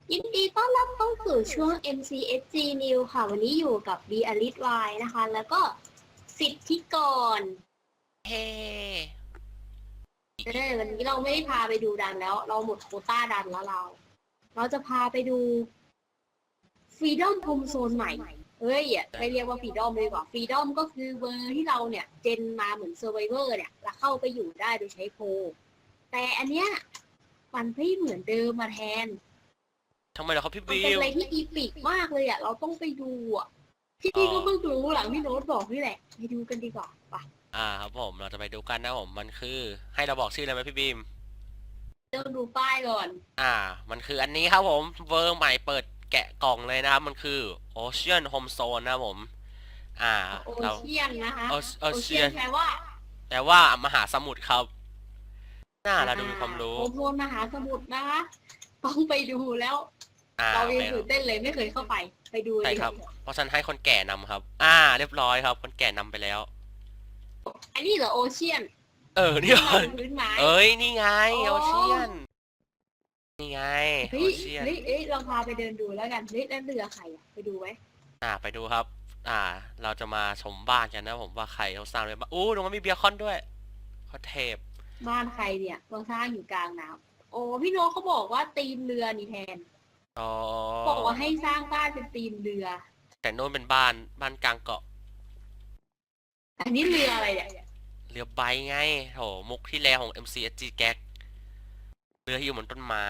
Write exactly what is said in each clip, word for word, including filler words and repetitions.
ยินดีต้อนรับเข้าสู่ช่วง เอ็ม ซี เอส จี News ค่ะ วันนี้อยู่กับบีอลิสวายนะคะ แล้วก็สิทธิกรเฮ้เออวันนี้เราไม่ได้พาไปดูดันแล้ว เราหมดโควต้าดันแล้วเรา เราจะพาไปดู Freedom Home Zone ใหม่ เฮ้ยไม่เรียกว่า Freedom เลยดีกว่า Freedom ก็คือเวอร์ที่เราเนี่ย เจนมาเหมือน Survivor เนี่ย แล้วเข้าไปอยู่ได้โดยใช้โพลแต่อันเนี้ยมันไม่เหมือนเดิมมาแทนทำไมเหรอครับพี่มันบิเป็นวอะไรที่อีปิกมากเลยอ่ะ เราต้องไปดูอ่ะ ที่นี่ก็เพิ่งรู้หลังพี่โน้ตบอกนี่แหละ ไปดูกันดีกว่าไปอ่าครับผมเราจะไปดูกันนะผมมันคือให้เราบอกชื่อเลยไหมพี่บีมเริ่มดูป้ายก่อนอ่ามันคืออันนี้ครับผมเวอร์ใหม่เปิดแกะกล่องเลยนะครับมันคือ Ocean Home Zone นะครับผมอ่าโอเราเชียนนะคะโอโอเชียน Ocean แปลว่าแต่ว่ามหาสมุทรครับน่าเราดูมีความรู้โอโซนมหาสมุทรนะคะ ต้องไปดูแล้วอ่าเราโอยังเคคตื่รับนเต้นเลยไม่เคยเข้าไป ไปดูเลใช่ยครับเพราะฉะนันให้คนแก่นำครับอ่าเรียบร้อยครับคนแก่นำไปแล้วอันนี้เหรอโอเชียนเออนี่ที่ก่อนนพื้นไม้เอ้ยนี่ไงอ๋โออเชียนนี่ไงเฮ้โอย เชียนเฮ้ยเฮ้ยเราพาไปเดินดูแล้วกัน เฮ้ยแล้วเรือใครอ่ะ ไปดูไหมอ่าไปดูครับ อ่า เราจะมาชมบ้านกันนะผมว่าใครเขาสร้างเลยบ้างอู้ตรงนั้นมีเบียร์คอนด้วยเขาเทพบ้านใครเนี่ยเราสร้างอยู่กลางน้ำโอ้พี่โน้ตเขาบอกว่าตีมเรือนี่แทนอ๋อบอกว่าให้สร้างบ้านเป็นตีมเรือแต่โน่นเป็นบ้านบ้านกลางเกาะอันนี้เรืออะไรเนี่ยเรือใบไงโถมุกที่แรของ เอ็ม ซี เอส จี แก๊กเรือที่อยู่บนต้นไม้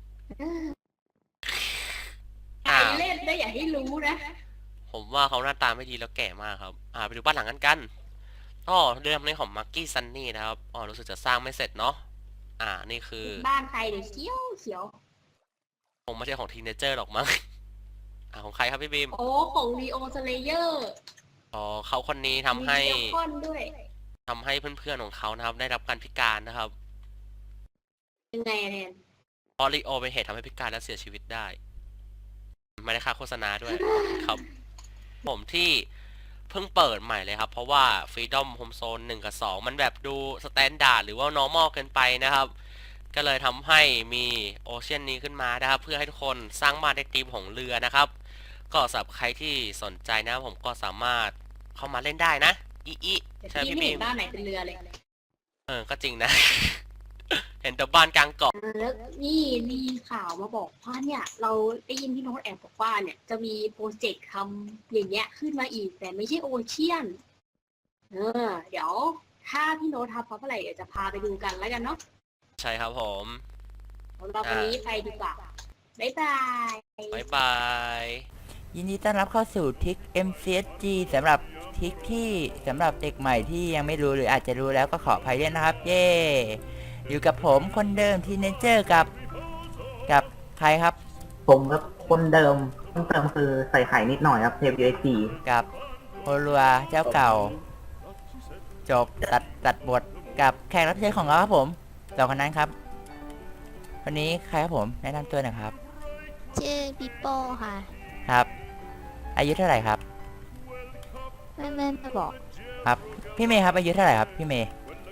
ใครเล่นได้อย่าให้รู้นะผมว่าเขาหน้าตาไม่ดีแล้วแก่มากครับ อ่าไปดูบ้านหลังกันกันอ๋อเรื่องนี้ของมักกี้ซันนี่นะครับอ๋อรู้สึกจะสร้างไม่เสร็จเนาะอ่านี่คือบ้านใครเดี๋ยวเขียวเขียวคงไม่ใช่ของทีเนเจอร์หรอกมั้ง อ่าของใครครับพี่บีมโอ้ของรีโอสเลเยอร์อ๋อเขาคนนี้ทำให้มีเบคอนด้วยทำให้เพื่อนๆของเขานะครับได้รับการพิการนะครับยังไงอะแนนเพราะลีโอเป็นเหตุทำให้พิการและเสียชีวิตได้ ไม่ได้ค่าโฆษณาด้วย ครับ ผมที่เพิ่งเปิดใหม่เลยครับ เพราะว่า Freedom Home Zone หนึ่งกับสองมันแบบดูสแตนดาร์ดหรือว่า normal เกินไปนะครับ ก็เลยทำให้มีโอเชียนนี้ขึ้นมานะครับ เพื่อให้ทุกคนสร้างบ้านในธีมของเรือนะครับ ก็สำหรับใครที่สนใจนะผมก็สามารถเข้ามาเล่นได้นะอีอีแต่ใช่พี่พี่ไม่บีเห็นมบ้านไหนเป็นเรือเลยเออก็จริงนะ เห็นแต่บ้านกลางเกาะแล้วนี่มีข่าวมาบอกว่าเนี่ย เราได้ยินพี่โน้ตแอบบอกว่าเนี่ย จะมีโปรเจกต์ทำอย่างเงี้ยขึ้นมาอีก แต่ไม่ใช่โอเชียน เออ เดี๋ยว ถ้าพี่โน้ตทำเพราะอะไรเดี๋ยวจะพาไปดูกันแล้วกันเนาะใช่ครับผมสำหรับวันนี้ไปดีกว่า บ๊ายบายบ๊ายบายยินดีต้อนรับเข้าสู่ทิก เอ็ม ซี เอส จี สำหรับทิกที่สำหรับเด็กใหม่ที่ยังไม่รู้หรืออาจจะรู้แล้วก็ขออภัยด้วยนะครับ เย่อยู่กับผมคนเดิมทีเนเจอร์กับกับใครครับผมครับคนเดิมเพิ่มเติมคือใส่ไข่นิดหน่อยครับเทป ยู เอส ซีกับโฮลัวเจ้าเก่า จบตัดตัดบทกับแขกรับเชิญของเราครับผมสองคนนั้นครับวันนี้ใครครับผมแนะนำตัวหน่อยครับชื่อปิโป้ค่ะครับ อายุเท่าไหร่ครับไม่ไม่ไม่บอกครับพี่เมย์ครับอายุเท่าไหร่ครับพี่เมย์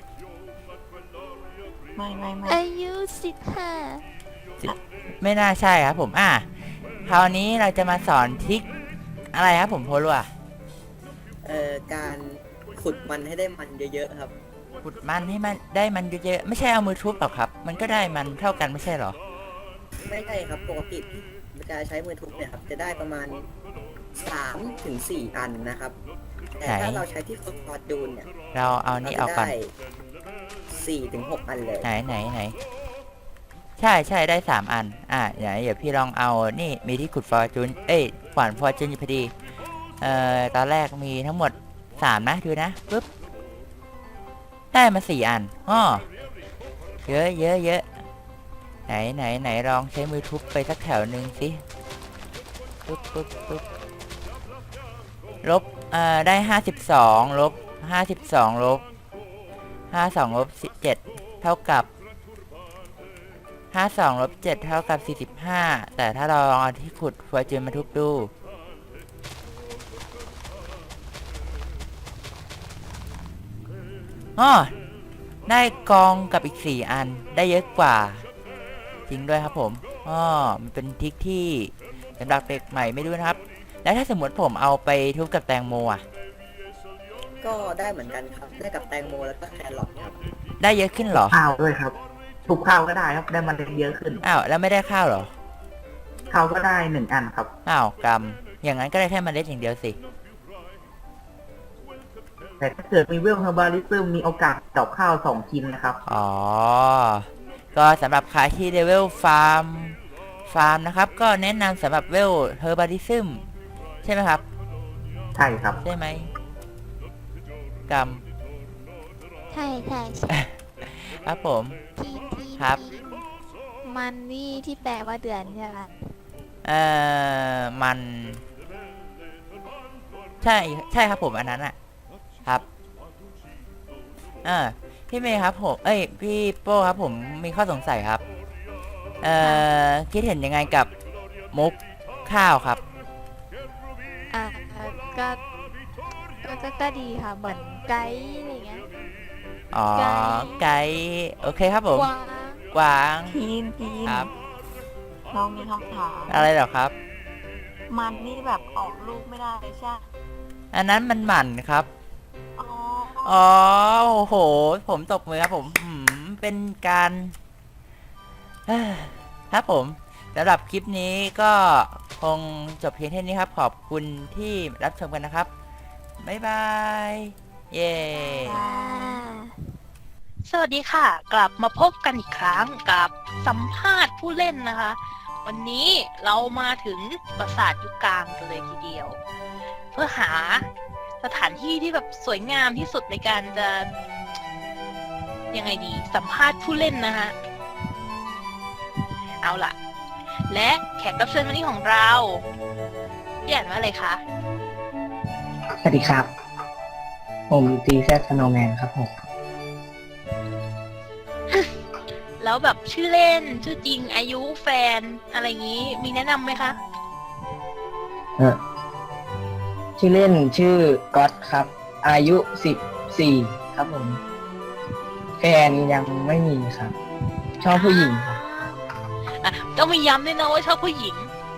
ไม่ไม่ไม่อายุสิบห้าไม่น่าใช่ครับผมอ่ะคราวนี้เราจะมาสอนทริคอะไรครับผมโฮลัวเอ่อการขุดมันให้ได้มันเยอะๆครับขุดมันให้มันได้มันเยอะๆไม่ใช่เอามือทุบหรอกครับ มันก็ได้มันเท่ากันไม่ใช่หรอไม่ใช่ครับปกติมันจะใช้มือทุบเนี่ยครับจะได้ประมาณสามถึงสี่อันนะครับ แต่ไหนถ้าเราใช้ที่ฝึกฟอร์จูนเนี่ยเราเอาเรานี่จะเอาก่อนได้สี่ถึงหกอันเลยไหนไหนไหนใช่ใช่ได้สามอันอ่ะเดี๋ยวเดี๋ยวพี่ลองเอานี่มีที่ขุดฟอร์จูนเอ้ยขวานฟอร์จูนอยู่พอดีเอ่อตอนแรกมีทั้งหมดสามนะดูนะปึ๊บได้มาสี่อันอ้อเยอะเยอะเยอะไหนไหนไหนลองใช้มือทุบไปสักแถวหนึ่งสิปึ๊บปึ๊บปึ๊บลบเอ่อได้ห้าสิบสองลบห้าสิบสองลบห้าสองลบสิบเจ็ดเท่ากับห้าสองลบเจ็ดเท่ากับสี่สิบห้าแต่ถ้าเราลองเอาที่ขุดฟอร์จูนมาทุบดูอ๋อได้กองกับอีกสี่อันได้เยอะกว่าจริงด้วยครับผมโหอ๋อมันเป็นทริคที่สำหรับเด็กใหม่ไม่รู้นะครับ แล้วถ้าสมมติผมเอาไปทุบกับแตงโมอ่ะก็ได้เหมือนกันครับ ได้กับแตงโมแล้วก็แครอทครับได้เยอะขึ้นเหรอข้าวด้วยครับทุกข้าวก็ได้ครับได้เมันเยอะขึ้นอ้าวแล้วไม่ได้ข้าวเหรอข้าวก็ได้หนึ่งอันครับอ้าวกรรมอย่างนั้นก็ได้แค่เมล็ดอย่างเดียวสิแต่ถ้าเกิดมีเวลเฮอร์บาริซึมมีโอกาสดอกข้าวสองชิ้นนะครับอ๋อ ก็สำหรับใครที่เลเวลฟาร์มฟาร์มนะครับ ก็แนะนำสำหรับเวลเฮอร์บาริซึมใช่ไหมครับใช่ครับใช่ไหมกรรมใช่ใช่ใช่ครับผมที่ที่ครับที่มันนี่ที่แปลว่าเดือนใช่ไหมเอ่อมัน ใช่ใช่ครับผมอันนั้นอะครับเออพี่เมย์ครับผมเอ้ยพี่โป้ครับผมมีข้อสงสัยครับ เอ่อคิดเห็นยังไงกับมุกข้าวครับอ่าก็ก็ก็ก็ดีค่ะ เหมือนไกด์อะไรเงี้ยอ๋อไก่ไก่โอเคครับผมกวางกวางทีนทีนครับเรามีคำถามอะไรเหรอครับมันนี่แบบออกลูกไม่ได้ใช่อันนั้นมันหมันครับอ๋ออ๋อโอ้โห ผมตบมือครับผมอืมเป็นการเอ้อครับผมสำหรับคลิปนี้ก็คงจบเพียงเท่านี้ครับ ขอบคุณที่รับชมกันนะครับ บ๊ายบาย เย้อ่าสวัสดีค่ะ กลับมาพบกันอีกครั้งกับสัมภาษณ์ผู้เล่นนะคะ วันนี้เรามาถึงปราสาทยุคกลางกันเลยทีเดียว เพื่อหาสถานที่ที่แบบสวยงามที่สุดในการจะยังไงดีสัมภาษณ์ผู้เล่นนะฮะเอาล่ะ และแขกรับเชิญวันนี้ของเราพี่อ่านว่าอะไรคะสวัสดีครับ ผมตีแซดสโนว์แมนครับผมแล้วแบบชื่อเล่นชื่อจริงอายุแฟนอะไรอย่างนี้มีแนะนำไหมคะเออชื่อเล่นชื่อก๊อตครับ อายุสิบสี่ครับผม แฟนยังไม่มีครับ ชอบผู้หญิงครับอ่ะต้องมีย้ำด้วยนะว่าชอบผู้หญิง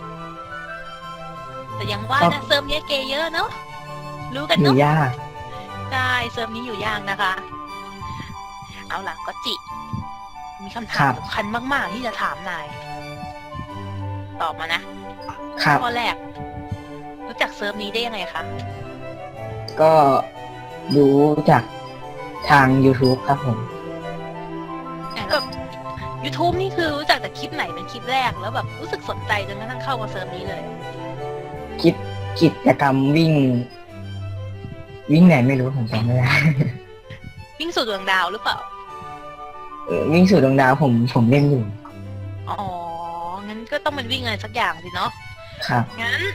แต่ยังว่าครันะบเซิร์ฟเนี้ยเกย์เยอะเนาะรู้กันหนูเนาะยากใช่เซิร์ฟนี้อยู่ยากนะคะ เอาล่ะก็จิ มีคำถามสำคัญมาก ๆ ที่จะถามนาย ตอบมานะครับ ข้อแรก รู้จักเซิร์ฟนี้ได้ยังไงคะก็รู้จากทาง YouTube ครับผมอ่ะแบบ YouTube นี่คือรู้จักจากคลิปไหนเป็นคลิปแรกแล้วแบบรู้สึกสนใจจนกระทั่งเข้ามาเซิร์ฟนี้เลยคิดกิจกรรมวิ่ง วิ่งไหนไม่รู้ผมจำไม่ได้วิ่งสู่ดวงดาวหรือเปล่าเออวิ่งสู่ดวงดาวผมผมเล่นอยู่อ๋อ งั้นก็ต้องเป็นวิ่งอะไรสักอย่างสิเนาะครับงั้น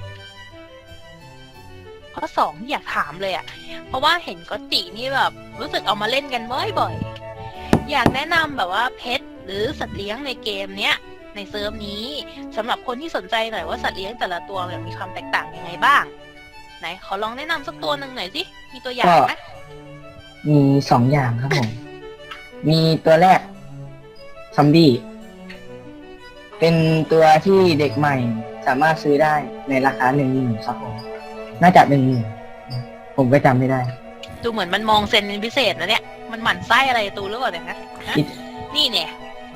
ข้อสองที่อยากถามเลยอะ่ะ เพราะว่าเห็นก็ตินี่แบบ รู้สึกเอามาเล่นกันบ่อยๆ อยากแนะนำแบบว่าเพชรหรือสัตว์เลี้ยงในเกมเนี้ย ในเซิร์ฟนี้สำหรับคนที่สนใจหน่อยว่าสัตว์เลี้ยงแต่ละตัวเนี่ยมีความแตกต่างยังไงบ้าง ไหนขอลองแนะนำสักตัวหนึ่งหน่อยสิ มีตัวอย่างไหมมีสองอย่างครับผม มีตัวแรกซอมบี้ เป็นตัวที่เด็กใหม่สามารถซื้อได้ในราคาหนึ่งหมื่นครับผม น่าจะหนึ่งหมื่นผมก็จำไม่ได้ดูเหมือนมันมองเซนเป็นพิเศษนะเนี่ย มันหมั่นไส้อะไรตูหรือเปล่าเนี่ยนะฮะคิดนี่เนี่ย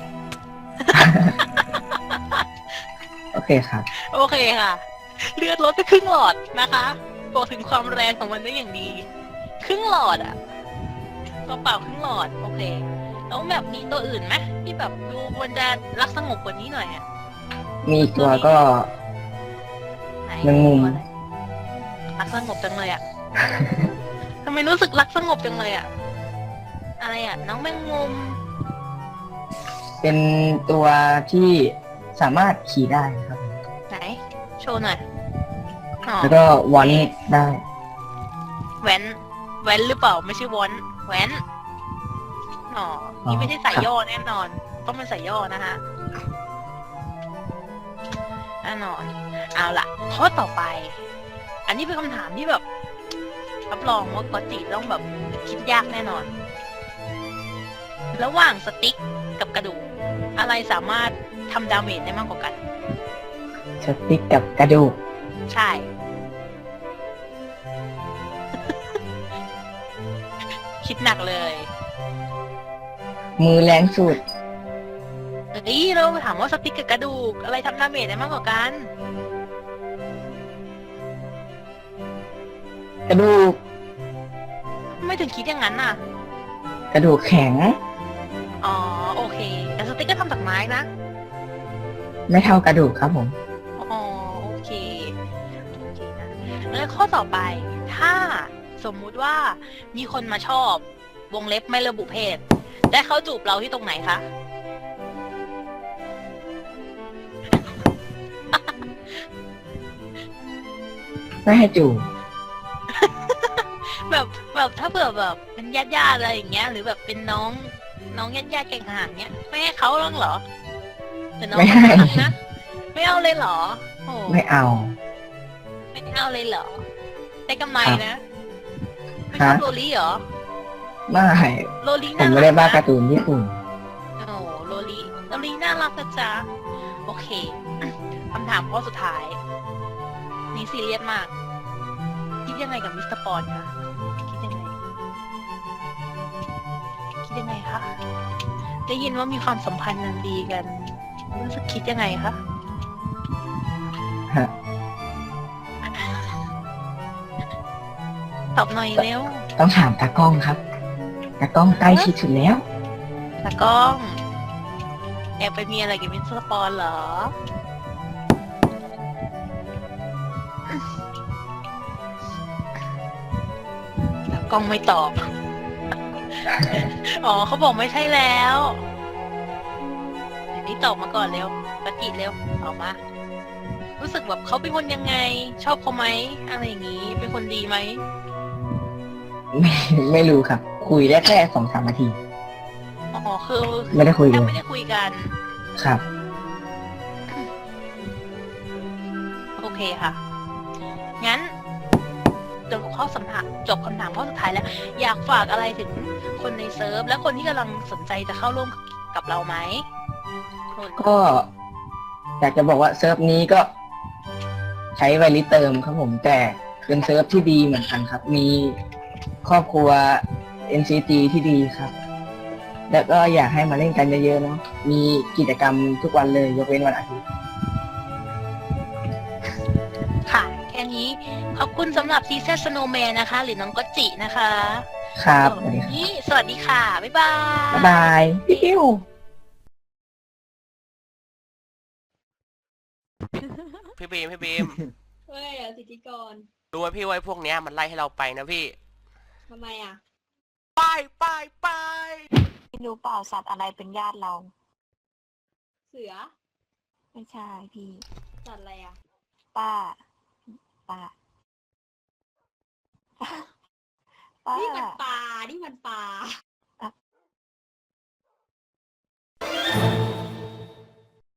โอเคครับโอเคค่ะ เลือดลดไปครึ่งหลอดนะคะบอกถึงความแรงของมันได้อย่างดี ครึ่งหลอดอะตัวเปล่าครึ่งหลอด โอเค แล้วแบบมีตัวอื่นไหมที่แบบดูควรจะรักสงบกว่านี้หน่อยอะมีอีกตัวก็ไหนแมงมุมตัวอะไรรักสงบจังเลยอะ ทำไมรู้สึกรักสงบจังเลยอะอะไรอะน้องแมงมุมเป็นตัวที่สามารถขี่ได้ครับผมไหน โชว์หน่อยอ๋อแล้วก็วอนได้แว้นแว้นหรือเปล่าไม่ใช่วอนแว้นอ๋อนี่ไม่ใช่สายย่อแน่นอน ต้องเป็นสายย่อนะคะแน่นอน เอาล่ะ ข้อต่อไป อันนี้เป็นคำถามที่แบบรับรองว่ากอตจิต้องแบบคิดยากแน่นอน ระหว่างสติ๊กกับกระดูก อะไรสามารถทำดาเมจได้มากกว่ากันสติ๊กกับกระดูกใช่ คิดหนักเลยมือแรงสุดเฮ้ยเราถามว่าสติ๊กกับกระดูกอะไรทำดาเมจได้มากกว่ากันกระดูกไม่ถึงคิดอย่างนั้นน่ะกระดูกแข็งอ๋อโอเค แต่สติ๊กก็ทำจากไม้นะไม่เท่ากระดูกครับผมอ๋อโอเคโอเคนะแล้วข้อต่อไป ถ้าสมมุติว่ามีคนมาชอบวงเล็บไม่ระบุเพศ ได้เขาจูบเราที่ตรงไหนคะไม่ให้จูบแบบแบบถ้าเผื่อแบบเป็นญาติญาติๆอะไรอย่างเงี้ย หรือแบบเป็นน้องน้องญาติญาติๆแก่งหางเงี้ยไม่ให้เขาหรอกเหรอหรือน้องไม่ให้เขารักนะไม่เอาเลยเหรอโอ้ไม่เอาไม่เอาเลยเหรอได้กำไรครับนะไม่ชอบฮะโรลี่เหรอไม่โรลี่ผมน่าไม่รัได้กบ้านะการ์ตูนญี่ปุ่นโอ้โรลี่โรลี่น่ารักนะจ๊ะโอเค คำถามข้อสุดท้าย นี่ซีเรียสมาก คิดยังไงกับมิสเตอร์ปอนคะคิดยังไง คิดยังไงคะ ได้ยินว่ามีความสัมพันธ์นันดีกันรู้สึกคิดยังไงคะฮะตอบหน่อยเร็วต้องถามตากล้องครับ ตากล้องใกล้ชิดสุดแล้วตากล้อง แอบไปมีอะไรกับมิสเตอร์ปอนเหรอ ตากล้องไม่ตอบ อ๋อเขาบอกไม่ใช่แล้วเดี๋ยวนี้ตอบมาก่อนเร็วปฏิเร็วออกมา รู้สึกแบบเขาเป็นคนยังไง ชอบเขาไหมอะไรอย่างนี้ เป็นคนดีไหมไม่ไม่รู้ครับ คุยได้แค่สองสามนาทีอ๋อคือไม่ได้คุยเลยังยไม่ได้คุยกันครับโอเคค่ะ งั้นจบข้อคำถามจบคำถามข้อสุดท้ายแล้ว อยากฝากอะไรถึงคนในเซิร์ฟและคนที่กำลังสนใจจะเข้าร่วมกับเราไหมคุณก็อยากจะบอกว่าเซิร์ฟนี้ก็ใช้ไวลิเติมครับผมแต่เป็นเซิร์ฟที่ดีเหมือนกันครับ มีครอบครัว เอ็น ซี จี ที่ดีครับ แล้วก็อยากให้มาเล่นกันเยอะๆเนาะมีกิจกรรมทุกวันเลยยกเว้นวันอาทิตย์ค่ะ แค่นี้ ขอบคุณสำหรับซีเซสโนแมนนะคะ หรือน้องก็จินะคะครับสวัสดีวันครับนี้สวัสดีค่ะ บ๊ายบายบ๊ายบายปิ้วพี่บีมพี่บีมเฮ้ยอ่ะสิทธิกรรู้ไหมพี่ว่าไอ้พวกเนี้ยมันไล่ให้เราไปนะพี่ทำไมอ่ะไปไปไปไม่รู้เปล่าสัตว์อะไรเป็นญาติเราเสือไม่ใช่พี่สัตว์อะไรอ่ะป้า ป้า ป้านี่มันปลา นี่มันปลา